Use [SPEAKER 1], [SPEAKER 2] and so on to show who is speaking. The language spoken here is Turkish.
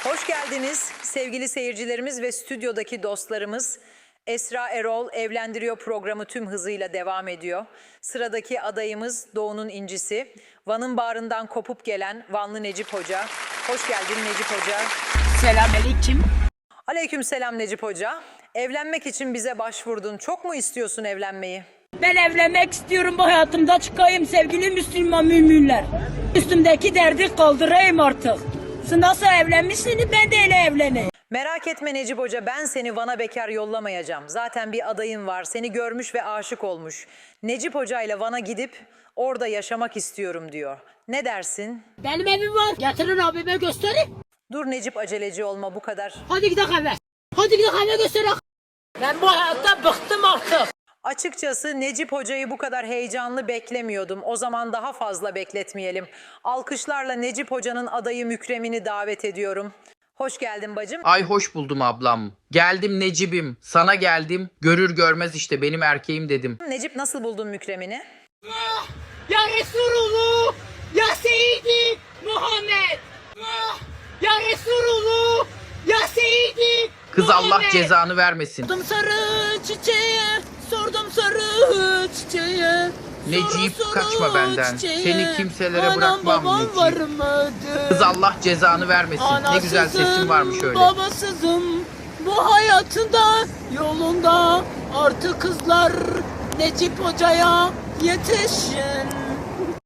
[SPEAKER 1] Hoş geldiniz sevgili seyircilerimiz ve stüdyodaki dostlarımız. Esra Erol Evlendiriyor programı tüm hızıyla devam ediyor. Sıradaki adayımız Doğu'nun incisi. Van'ın bağrından kopup gelen Vanlı Necip Hoca. Hoş geldin Necip Hoca.
[SPEAKER 2] Selamünaleyküm.
[SPEAKER 1] Aleykümselam Necip Hoca. Evlenmek için bize başvurdun. Çok mu istiyorsun evlenmeyi?
[SPEAKER 2] Ben evlenmek istiyorum, bu hayatımda çıkayım sevgili Müslüman müminler. Üstümdeki derdi kaldırayım artık. Siz nasıl evlenmişsiniz, ben de öyle evleneyim.
[SPEAKER 1] Merak etme Necip Hoca, ben seni Van'a bekar yollamayacağım. Zaten bir adayın var, seni görmüş ve aşık olmuş. Necip Hoca ile Van'a gidip orada yaşamak istiyorum diyor. Ne dersin?
[SPEAKER 2] Benim evim var. Getirin abime göstereyim.
[SPEAKER 1] Dur Necip, aceleci olma bu kadar.
[SPEAKER 2] Hadi gidelim eve. Hadi gidelim eve göstereyim. Ben bu hayattan bıktım artık.
[SPEAKER 1] Açıkçası Necip Hoca'yı bu kadar heyecanlı beklemiyordum. O zaman daha fazla bekletmeyelim. Alkışlarla Necip Hoca'nın adayı Mükrem'ini davet ediyorum. Hoş geldin bacım.
[SPEAKER 3] Ay hoş buldum ablam. Geldim Necip'im. Sana geldim. Görür görmez işte benim erkeğim dedim.
[SPEAKER 1] Necip, nasıl buldun Mükrem'ini?
[SPEAKER 2] Ya Resulullah, ya Seyyidi Muhammed. Ya Resulullah, ya Seyyidi
[SPEAKER 3] Kız Allah cezanı vermesin.
[SPEAKER 2] Sordum sarı çiçeğe, sordum sarı çiçeğe.
[SPEAKER 3] Necip,
[SPEAKER 2] Soru
[SPEAKER 3] kaçma benden.
[SPEAKER 2] çiçeğe.
[SPEAKER 3] Seni kimselere
[SPEAKER 2] Anam
[SPEAKER 3] bırakmam
[SPEAKER 2] babam
[SPEAKER 3] Necip.
[SPEAKER 2] varmadı.
[SPEAKER 3] Kız Allah cezanı vermesin. Ne güzel sesin varmış öyle.
[SPEAKER 2] Babasızım bu hayatında, yolunda artık kızlar. Necip Hoca'ya yetişin.